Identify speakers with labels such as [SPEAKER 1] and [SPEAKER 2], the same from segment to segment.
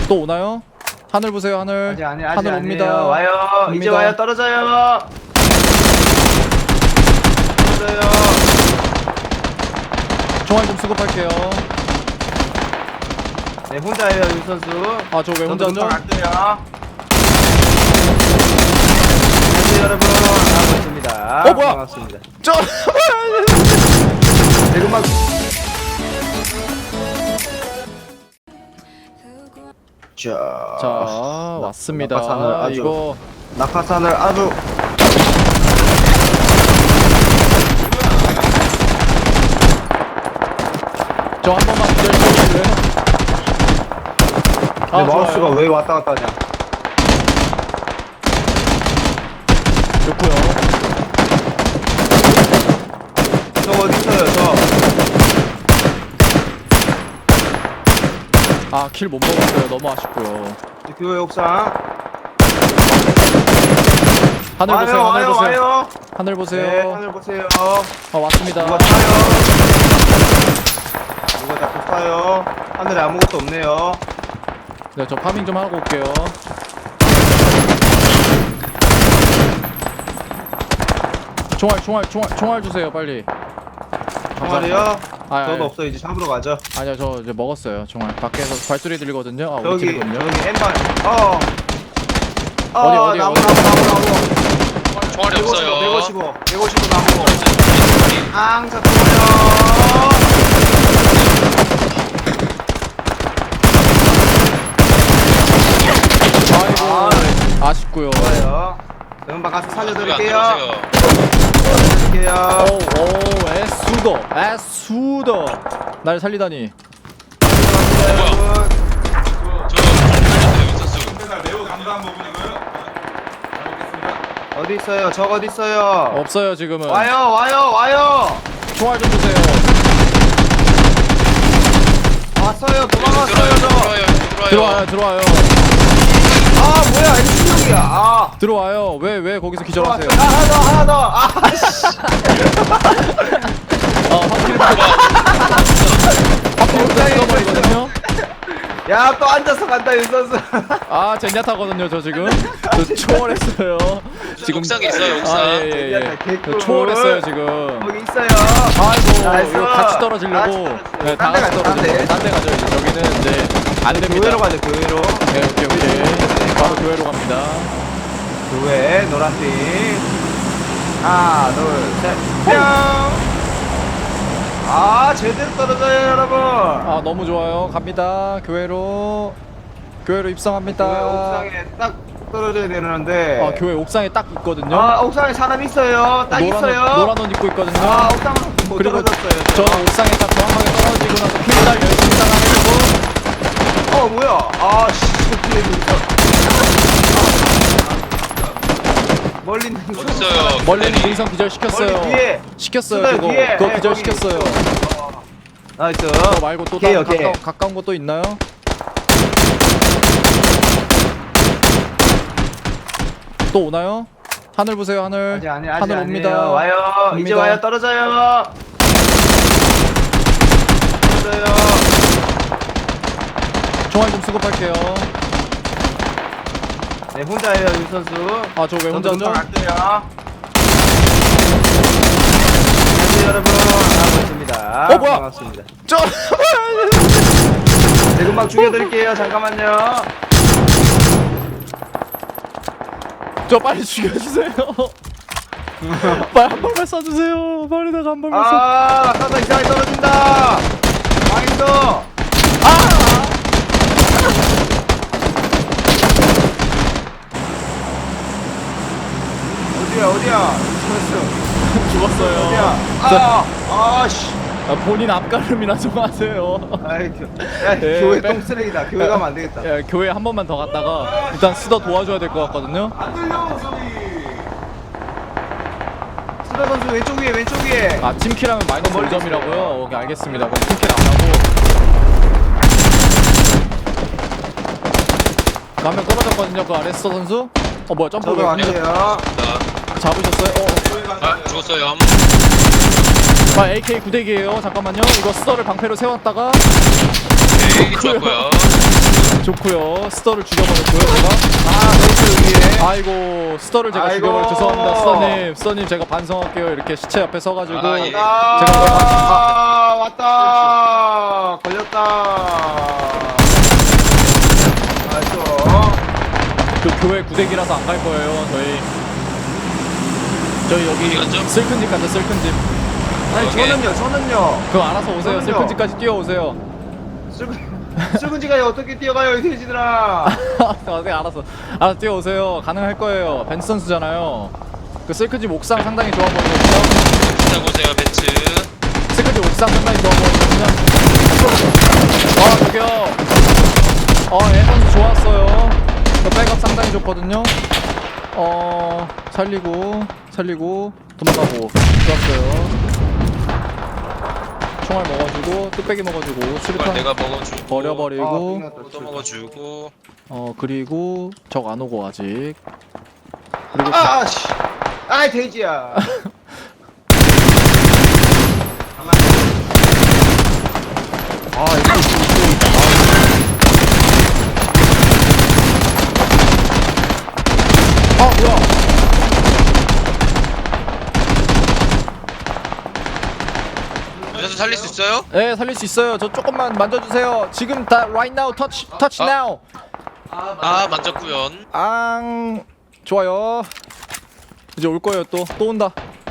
[SPEAKER 1] 또 오나요? 하늘 보세요, 하늘.
[SPEAKER 2] 아직
[SPEAKER 1] 하늘 옵니다.
[SPEAKER 2] 아니에요. 와요.
[SPEAKER 1] 옵니다.
[SPEAKER 2] 이제 와요. 떨어져요. 떨어져요.
[SPEAKER 1] 총알 좀 수급할게요.
[SPEAKER 2] 네, 혼자예요, 윤 선수.
[SPEAKER 1] 아, 저 왜 혼자죠?
[SPEAKER 2] 안 돼요. 안녕하세요, 여러분. 반갑습니다.
[SPEAKER 1] 뭐야?
[SPEAKER 2] 반갑습니다.
[SPEAKER 1] 저
[SPEAKER 2] 네, 금방.
[SPEAKER 1] 자, 왔습니다.
[SPEAKER 2] 낙하산을 아주-
[SPEAKER 1] 이거
[SPEAKER 2] 낙하산을 아주
[SPEAKER 1] 저 한 번만 기다려주실래요?
[SPEAKER 2] 내 마우스가
[SPEAKER 1] 좋아요.
[SPEAKER 2] 왜 왔다 갔다 하냐.
[SPEAKER 1] 좋고요.
[SPEAKER 2] 저 어디 있어요,
[SPEAKER 1] 아, 킬 못 먹었어요. 너무 아쉽고요.
[SPEAKER 2] 저 교회 옥상.
[SPEAKER 1] 하늘 보세요.
[SPEAKER 2] 와요,
[SPEAKER 1] 하늘
[SPEAKER 2] 와요,
[SPEAKER 1] 보세요.
[SPEAKER 2] 와요.
[SPEAKER 1] 하늘
[SPEAKER 2] 네,
[SPEAKER 1] 보세요.
[SPEAKER 2] 하늘 보세요.
[SPEAKER 1] 왔습니다.
[SPEAKER 2] 누가 타요? 누가 자꾸 타요? 하늘에 아무것도 없네요.
[SPEAKER 1] 네, 저 파밍 좀 하고 올게요. 총알 주세요, 빨리.
[SPEAKER 2] 정말이요?
[SPEAKER 1] 아,
[SPEAKER 2] 저도 없어. 이제 잡으러 가죠.
[SPEAKER 1] 아니요, 저 이제 먹었어요. 총알. 밖에서 발소리 들리거든요. 아, 우리
[SPEAKER 2] 저기
[SPEAKER 1] 팀이군요.
[SPEAKER 2] 엠반.
[SPEAKER 1] 어디?
[SPEAKER 2] 나무.
[SPEAKER 3] 총알이 없어요.
[SPEAKER 2] 155 나무. 자 들어요.
[SPEAKER 1] 아이고, 아쉽고요.
[SPEAKER 2] 좋아요. 금방 가서 살려드릴게요.
[SPEAKER 3] 들어오세요.
[SPEAKER 1] 오, 애수더. 날 살리다니.
[SPEAKER 2] 여러분.
[SPEAKER 3] 저 살려주세요, 선수.
[SPEAKER 4] 매우 감사한 부분이고요.
[SPEAKER 2] 어디 있어요? 적 어디 있어요?
[SPEAKER 1] 없어요, 지금은.
[SPEAKER 2] 와요.
[SPEAKER 1] 총알 좀 주세요.
[SPEAKER 2] 왔어요. 도망갔어요 저.
[SPEAKER 1] 들어와요.
[SPEAKER 2] 뭐야 M16이야.
[SPEAKER 1] 들어와요. 왜 거기서 기절하세요?
[SPEAKER 2] 하나 더.
[SPEAKER 1] 확실히 끊어버리거든요.
[SPEAKER 2] 야, 또 앉아서 간다, 윤 선수.
[SPEAKER 1] 아, 젠야타거든요, 저 지금. 저 초월했어요. 지금
[SPEAKER 3] 옥상에 있어요, 옥상.
[SPEAKER 1] 예.
[SPEAKER 2] 개꿀.
[SPEAKER 1] 저 초월했어요, 지금.
[SPEAKER 2] 거기 있어요.
[SPEAKER 1] 아이고,
[SPEAKER 2] 나이스.
[SPEAKER 1] 이거 같이 떨어지려고. 네, 다 같이 떨어지려고. 딴 데 가죠, 이제. 저기는 이제 안 됩니다.
[SPEAKER 2] 교회로 가자, 교회로.
[SPEAKER 1] 네, 오케이. 바로 교회로 갑니다.
[SPEAKER 2] 교회, 노란빛. 하나, 둘, 셋. 뿅. 제대로 떨어져요, 여러분.
[SPEAKER 1] 아, 너무 좋아요. 갑니다. 교회로 입성합니다.
[SPEAKER 2] 교회 옥상에 딱 떨어져야 되는데.
[SPEAKER 1] 아, 교회 옥상에 딱 있거든요.
[SPEAKER 2] 옥상에 사람 있어요. 딱 있어요.
[SPEAKER 1] 노란 옷 입고 있거든요.
[SPEAKER 2] 옥상은 못
[SPEAKER 1] 그리고
[SPEAKER 2] 떨어졌어요.
[SPEAKER 1] 저 옥상에 딱 정확하게 떨어지고 나서 킬달 열심히 당해주고.
[SPEAKER 2] 뭐야? 저 뒤에 있어. 멀리 있는 거.
[SPEAKER 3] 어디 있어요?
[SPEAKER 1] 멀리
[SPEAKER 3] 기다리.
[SPEAKER 1] 능선 기절 시켰어요.
[SPEAKER 2] 멀리 뒤에.
[SPEAKER 1] 시켰어요.
[SPEAKER 2] 수달
[SPEAKER 1] 그거
[SPEAKER 2] 뒤에.
[SPEAKER 1] 그거
[SPEAKER 2] 네,
[SPEAKER 1] 기절
[SPEAKER 2] 거기.
[SPEAKER 1] 시켰어요.
[SPEAKER 2] 나이스.
[SPEAKER 1] 그거 말고 또
[SPEAKER 2] 오케이,
[SPEAKER 1] 다른
[SPEAKER 2] 오케이.
[SPEAKER 1] 가까운 거 또 있나요? 또 오나요? 하늘 보세요, 하늘.
[SPEAKER 2] 아직
[SPEAKER 1] 하늘 옵니다.
[SPEAKER 2] 아니에요. 와요. 이제
[SPEAKER 1] 옵니다.
[SPEAKER 2] 와요. 떨어져요. 떨어져요.
[SPEAKER 1] 총알 좀 수급할게요.
[SPEAKER 2] 네, 혼자예요, 윤 선수.
[SPEAKER 1] 아, 저 왜 혼자죠?
[SPEAKER 2] 안 돼요. 안녕하세요, 여러분. 반갑습니다.
[SPEAKER 1] 뭐야?
[SPEAKER 2] 반갑습니다.
[SPEAKER 1] 저
[SPEAKER 2] 네, 금방 죽여드릴게요. 잠깐만요.
[SPEAKER 1] 저 빨리 죽여주세요. 빨리 한 발만 쏴주세요. 빨리다가 한 발만 쏴.
[SPEAKER 2] 낙하산 이상하게 떨어진다. 망했어. 어디야?
[SPEAKER 1] 죽었어요.
[SPEAKER 2] 어디야? 씨.
[SPEAKER 1] 본인 앞가름이나 좀 하세요.
[SPEAKER 2] 아이,
[SPEAKER 1] 예,
[SPEAKER 2] 교회
[SPEAKER 1] 빼-
[SPEAKER 2] 똥쓰레기다. 교회 가면 안 되겠다.
[SPEAKER 1] 예, 교회 한 번만 더 갔다가 일단 스더 도와줘야 될 것 같거든요.
[SPEAKER 4] 안 들려 소리.
[SPEAKER 2] 수다 선수 왼쪽 위에.
[SPEAKER 1] 아, 팀킬하면 마이너스
[SPEAKER 2] 멀리
[SPEAKER 1] 5점이라고요? 오케이, 알겠습니다. 그럼 팀킬 안 하고. 한 명 떨어졌거든요, 그 아래 스더 선수. 뭐야, 점프
[SPEAKER 2] 저도
[SPEAKER 1] 왜
[SPEAKER 2] 안 돼요.
[SPEAKER 1] 잡으셨어요?
[SPEAKER 3] 죽었어요.
[SPEAKER 1] AK 구대기예요. 잠깐만요. 이거 스더를 방패로 세웠다가
[SPEAKER 3] 오케이, 좋았고요.
[SPEAKER 1] 좋고요. 스터를 죽여버렸고요 제가.
[SPEAKER 2] 베이스 위에.
[SPEAKER 1] 아이고 스터를 제가
[SPEAKER 2] 아이고.
[SPEAKER 1] 죽여버려 죄송합니다. 스터님 제가 반성할게요. 이렇게 시체 옆에 서가지고
[SPEAKER 3] 아, 예.
[SPEAKER 2] 아, 왔다. 걸렸다. 나이스.
[SPEAKER 1] 그 교회 구대기라서 안 갈 거예요. 저희 여기
[SPEAKER 3] 어디 갔죠?
[SPEAKER 1] 슬픈 집 가죠. 슬픈 집.
[SPEAKER 2] 아니,
[SPEAKER 3] 오케이.
[SPEAKER 2] 저는요.
[SPEAKER 1] 그거 알아서 오세요.
[SPEAKER 2] 저는요.
[SPEAKER 1] 슬픈 집까지 뛰어오세요.
[SPEAKER 2] sul근 지가 어떻게 뛰어가요, 이 돼지들아.
[SPEAKER 1] 네, 알아서 뛰어오세요. 가능할 거예요. 벤츠 선수잖아요. 그 슬픈 집 옥상 상당히 좋아 보이거든요.
[SPEAKER 3] 자 보세요 벤츠.
[SPEAKER 1] 슬픈 집 옥상 상당히 좋아 보이거든요. 저기요. 애 선수 좋았어요. 그 백업 상당히 좋거든요. 살리고 도망가고 좋았어요. 총알 먹어주고 뚝배기 먹어주고
[SPEAKER 3] 이걸
[SPEAKER 1] 수류탄
[SPEAKER 3] 내가 먹어주고
[SPEAKER 1] 버려버리고
[SPEAKER 3] 또 먹어주고.
[SPEAKER 1] 그리고 적 안 오고 아직 그리고
[SPEAKER 2] 씨. 아이, 돼지야.
[SPEAKER 1] 뭐야
[SPEAKER 3] 윤선수 살릴 수 있어요?
[SPEAKER 1] 네 살릴 수 있어요. 저 조금만 만져주세요. 지금 다 right now touch now.
[SPEAKER 3] 아 만졌구연.
[SPEAKER 1] 좋아요. 이제 올 거예요. 또 온다.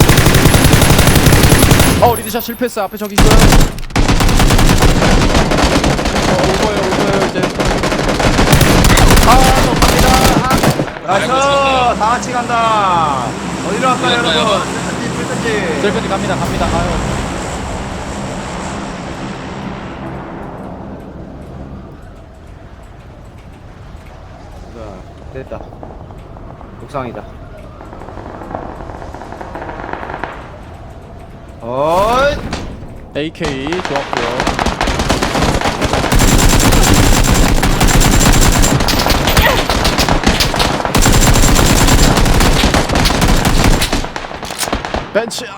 [SPEAKER 1] 리드샷 실패했어요. 앞에 저기 있어요. 올 거예요 이제. 저 갑니다.
[SPEAKER 2] 나이스. 다 같이 간다. 어디로 갈까요,
[SPEAKER 3] 어디로
[SPEAKER 2] 여러분?
[SPEAKER 3] 갈까요?
[SPEAKER 2] 불편지.
[SPEAKER 1] 셀프지 갑니다.
[SPEAKER 2] 됐다. 옥상이다. 어이.
[SPEAKER 1] AK 좋았고요. 벤치야.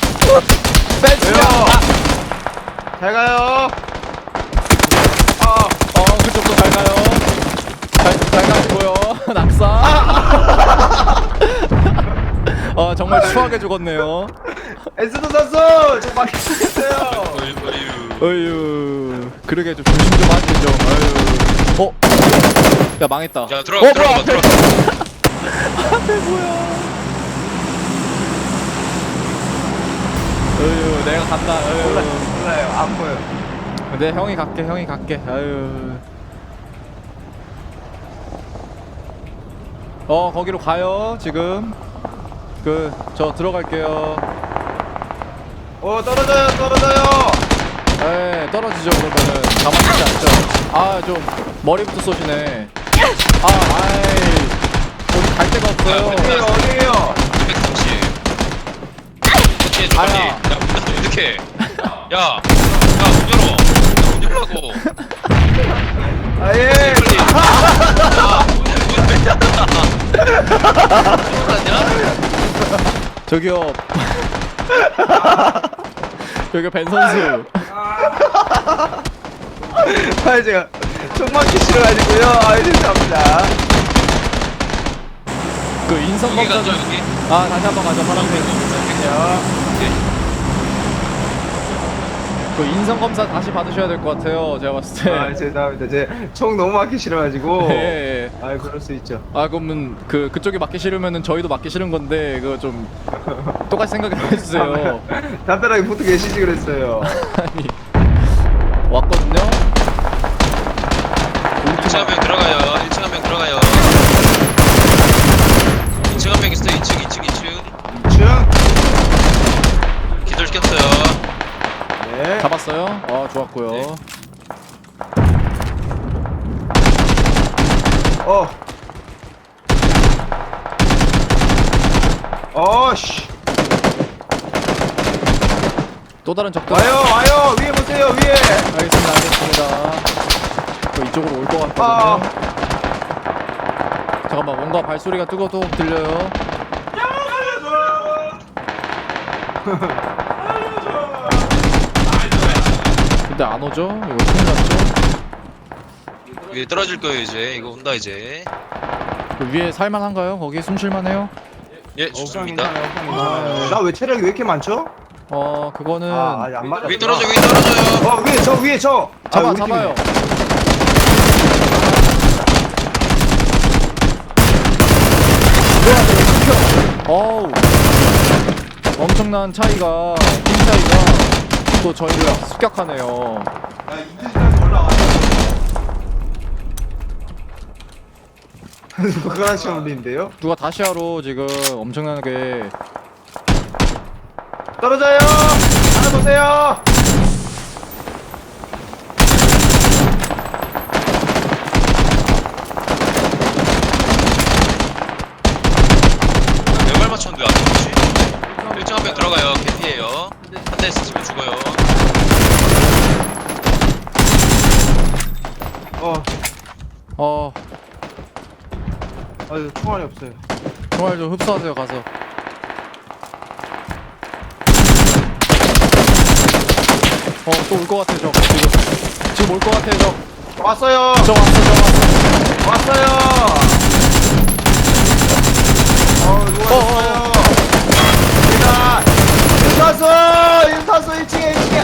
[SPEAKER 2] 왜요? 잘 가요.
[SPEAKER 1] 그쪽도 잘 가요. 잘 가시고요. 낙사. 정말 추하게 죽었네요.
[SPEAKER 2] 에스도 선수, 저 막히겠어요.
[SPEAKER 1] 어휴, 그러게 좀 조심 좀 하지 좀. 어휴. 야 망했다.
[SPEAKER 3] 야 들어가.
[SPEAKER 1] 앞에 뭐야? 어휴, 내가 간다.
[SPEAKER 2] 몰라요, 안 보여.
[SPEAKER 1] 네, 형이 갈게. 아유. 거기로 가요. 지금. 저 들어갈게요.
[SPEAKER 2] 떨어져요.
[SPEAKER 1] 네, 떨어지죠. 그러면은 가만히 있지 않죠. 좀 머리부터 쏘시네. 어디 갈 데가 없어요.
[SPEAKER 2] 어디에요?
[SPEAKER 3] 230. 이렇게
[SPEAKER 1] 아야.
[SPEAKER 3] 야 이렇게. 야문 열어. 문 열라고.
[SPEAKER 2] 예.
[SPEAKER 3] 빨리. 야문왜 닫아? 몰랐냐?
[SPEAKER 1] 저기요. 여기 벤 선수.
[SPEAKER 2] 제가 총 맞기 싫어가지고요. 죄송합니다.
[SPEAKER 1] 그 인성
[SPEAKER 3] 여기
[SPEAKER 1] 검사
[SPEAKER 3] 가죠
[SPEAKER 1] 좀.
[SPEAKER 3] 여기.
[SPEAKER 1] 다시 한번 가자. 파란색. 그 인성 검사 다시 받으셔야 될 것 같아요. 제가 봤을 때.
[SPEAKER 2] 죄송합니다. 제 총 너무 맞기 싫어가지고.
[SPEAKER 1] 예.
[SPEAKER 2] 그럴 수 있죠.
[SPEAKER 1] 그러면 그쪽이 맞기 싫으면은 저희도 맞기 싫은 건데 그거 좀 똑같이 생각을 해주세요.
[SPEAKER 2] 담벼락에 붙어 계시지 그랬어요.
[SPEAKER 1] 아니 왔거든요.
[SPEAKER 3] 1층 한 명 들어가요. 1층 한 명 들어가요. 2층 한 명 있어요. 2층.
[SPEAKER 2] 2층.
[SPEAKER 3] 기절시켰어요.
[SPEAKER 2] 네.
[SPEAKER 1] 잡았어요. 좋았고요.
[SPEAKER 3] 네.
[SPEAKER 2] 씨.
[SPEAKER 1] 또 다른 적들.
[SPEAKER 2] 와요. 위에 보세요, 위에.
[SPEAKER 1] 알겠습니다. 이쪽으로 올 것 같거든요. 잠깐만 뭔가 발소리가 뜨거도 들려요. 근데 안 오죠? 이거 큰일 났죠?
[SPEAKER 3] 위에 떨어질 거예요 이제. 이거 온다 이제.
[SPEAKER 1] 그 위에 살만한가요? 거기 숨쉴만해요?
[SPEAKER 3] 예
[SPEAKER 2] 옥상
[SPEAKER 3] 좋습니다.
[SPEAKER 2] 괜찮아요. 옥상 괜찮아요. 나 왜 체력이 왜 이렇게 많죠?
[SPEAKER 1] 그거는
[SPEAKER 2] 아직 안 맞아.
[SPEAKER 3] 위에 떨어져 위에 떨어져요.
[SPEAKER 2] 위에 저. 우리
[SPEAKER 1] 잡아요. 어우, 엄청난 차이가, 팀 차이가 또 저희를 습격하네요.
[SPEAKER 4] 야 인터넷에서 올라와.
[SPEAKER 2] 팀이에요. 그거랑 시험 올리는데요?
[SPEAKER 1] 누가 다시아로 지금 엄청나게
[SPEAKER 2] 떨어져요. 하나 보세요.
[SPEAKER 3] 몇발 맞췄는데 안 죽지? 1층 한 명 들어가요. 개피예요. 한 대 스치면 죽어요.
[SPEAKER 2] 아유 총알이 없어요.
[SPEAKER 1] 총알 좀 흡수하세요. 가서. 또 올 것 같아. 저 지금 올 것 같아.
[SPEAKER 2] 왔어요.
[SPEAKER 1] 저 왔어.
[SPEAKER 2] 왔어요. 누가 왔어요? 제가 윤타수 1층에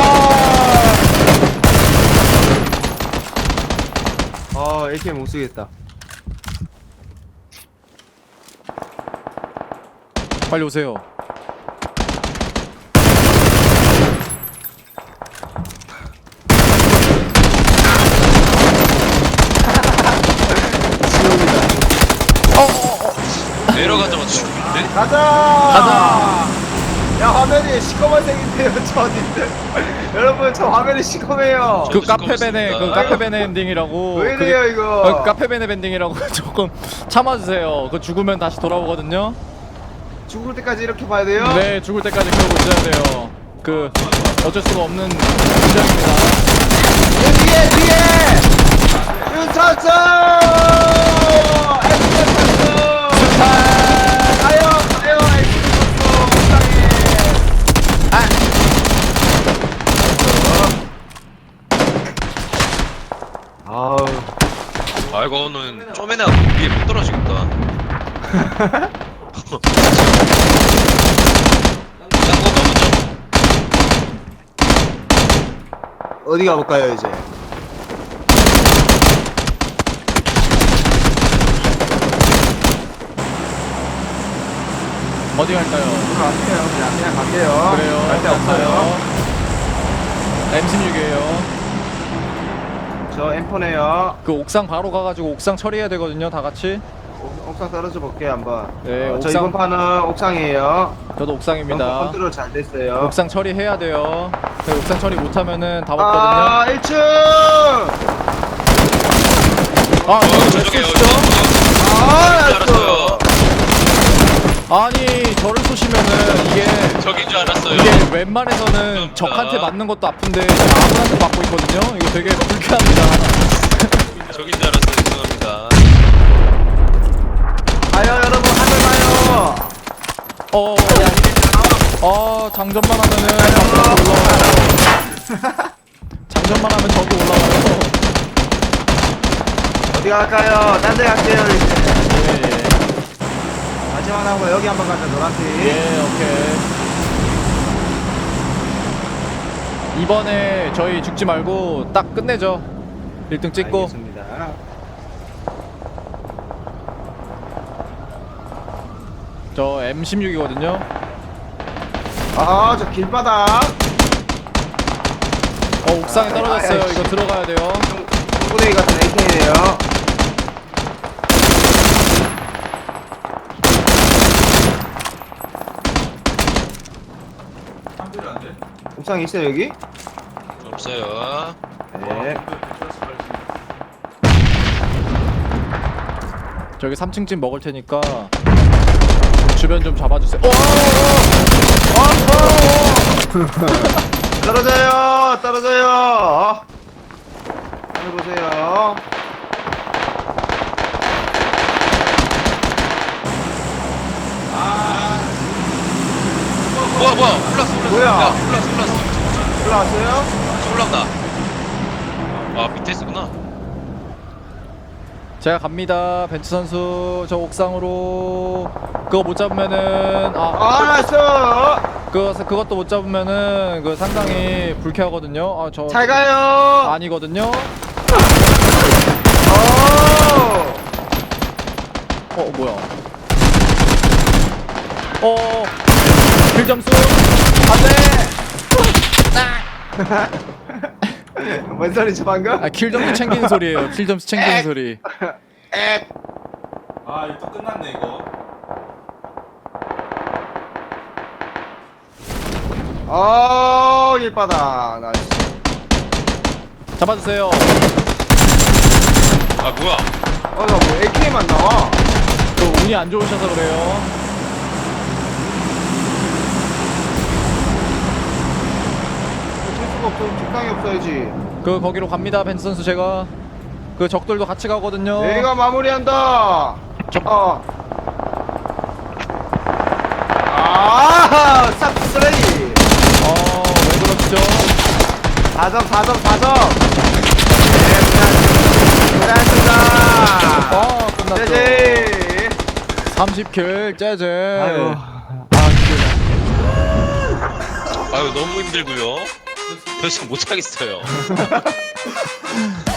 [SPEAKER 2] AK 못 쓰겠다.
[SPEAKER 1] 빨리 오세요.
[SPEAKER 3] 내려가자마자 죽는데?
[SPEAKER 2] 가자. 야 화면이 시커먼색인데요 저님들. 여러분 저 화면이 시커매요.
[SPEAKER 1] 그
[SPEAKER 3] 저도
[SPEAKER 1] 카페베네
[SPEAKER 3] 시끄럽습니다.
[SPEAKER 1] 그 카페베네 엔딩이라고.
[SPEAKER 2] 왜 이래요 이거?
[SPEAKER 1] 카페베네 엔딩이라고 조금 참아주세요. 그 죽으면 다시 돌아오거든요.
[SPEAKER 2] 죽을 때까지 이렇게 봐야 돼요?
[SPEAKER 1] 네, 죽을 때까지 그러고 있어야 돼요. 그 어쩔 수가 없는 문장입니다.
[SPEAKER 2] 뒤에 윤타수 가요 옥상에. 아우
[SPEAKER 3] 아 이거는 쪼매나 위에 못 떨어지겠다. 딴거 먼저.
[SPEAKER 2] 어디 가볼까요 이제?
[SPEAKER 1] 어디 갈까요?
[SPEAKER 2] 그냥 갈게요.
[SPEAKER 1] 그래요.
[SPEAKER 2] 갈데 없어요.
[SPEAKER 1] M16이에요.
[SPEAKER 2] 저 M4네요.
[SPEAKER 1] 그 옥상 바로 가가지고 옥상 처리해야 되거든요. 다 같이.
[SPEAKER 2] 옥상 떨어져 볼게요 한번.
[SPEAKER 1] 네,
[SPEAKER 2] 저
[SPEAKER 1] 옥상.
[SPEAKER 2] 이번 판은 옥상이에요.
[SPEAKER 1] 저도 옥상입니다.
[SPEAKER 2] 컨트롤 잘 됐어요.
[SPEAKER 1] 옥상 처리해야 돼요. 그 옥상 처리 못하면은 다
[SPEAKER 2] 아
[SPEAKER 1] 먹거든요.
[SPEAKER 2] 1층.
[SPEAKER 3] 저쪽에요.
[SPEAKER 2] 아
[SPEAKER 3] 줄 알았어요.
[SPEAKER 1] 아니 저를 쏘시면은
[SPEAKER 3] 저긴 줄 알았어요.
[SPEAKER 1] 이게 웬만해서는 적한테 맞는 것도 아픈데 아무한테 맞고 있거든요. 이거 되게 불쾌합니다.
[SPEAKER 3] 저긴 줄 알았어요. 죄송합니다.
[SPEAKER 2] 가요 여러분 하늘 가요.
[SPEAKER 1] 장전만 하면은 적이 올라와요. 장전만 하면 적이 올라와요.
[SPEAKER 2] 어디 갈까요? 딴 데 갈게요 이제.
[SPEAKER 1] 예.
[SPEAKER 2] 마지막 나온 거 여기 한번 가자 노란색.
[SPEAKER 1] 예, 오케이. 이번에 저희 죽지 말고 딱 끝내죠. 1등 찍고.
[SPEAKER 2] 알겠습니다.
[SPEAKER 1] 저 M16이거든요.
[SPEAKER 2] 아 저 길바닥.
[SPEAKER 1] 옥상에 떨어졌어요.
[SPEAKER 2] 아이,
[SPEAKER 1] 이거 들어가야 돼요.
[SPEAKER 2] 동구대기 같은 AK네요.
[SPEAKER 4] 상대를 안 돼?
[SPEAKER 2] 옥상에 있어요 여기?
[SPEAKER 3] 없어요.
[SPEAKER 2] 네.
[SPEAKER 1] 저기 3층집 먹을 테니까 주변 좀 잡아주세요.
[SPEAKER 2] 떨어져요 떨어져요. 하늘 보세요.
[SPEAKER 3] 뭐야 올랐어.
[SPEAKER 2] 뭐야?
[SPEAKER 3] 야, 올랐어.
[SPEAKER 2] 올라왔어요?
[SPEAKER 3] 올라온다. 아 밑에 있구나.
[SPEAKER 1] 제가 갑니다. 벤츠 선수 저 옥상으로. 그거 못 잡으면은
[SPEAKER 2] 알았어.
[SPEAKER 1] 그것도 못 잡으면은 그 상당히 불쾌하거든요. 저
[SPEAKER 2] 잘 가요.
[SPEAKER 1] 아니거든요. 뭐야? 킬 점수 안돼.
[SPEAKER 2] 뭔 소리지 방금?
[SPEAKER 1] 킬 점수 챙기는 소리예요. 킬 점수 챙기는 소리.
[SPEAKER 2] 에.
[SPEAKER 4] 아 이거 또 끝났네 이거.
[SPEAKER 2] 일바다. 나이스.
[SPEAKER 1] 잡아주세요.
[SPEAKER 3] 아 뭐야?
[SPEAKER 2] 나 뭐 AK만 나와.
[SPEAKER 1] 그 운이 안 좋으셔서 그래요.
[SPEAKER 2] 어쩔 수가 없어. 적당히 없어야지.
[SPEAKER 1] 거기로 갑니다. 벤츠 선수 제가 그 적들도 같이 가거든요.
[SPEAKER 2] 내가 마무리한다. 싹 쓰레기.
[SPEAKER 1] 왜 그렇죠?
[SPEAKER 2] 4점. 고생하셨습니다.
[SPEAKER 1] 끝났죠.
[SPEAKER 2] 제제.
[SPEAKER 1] 30킬 재재.
[SPEAKER 3] 아유 너무 힘들고요. 더 이상 못 하겠어요.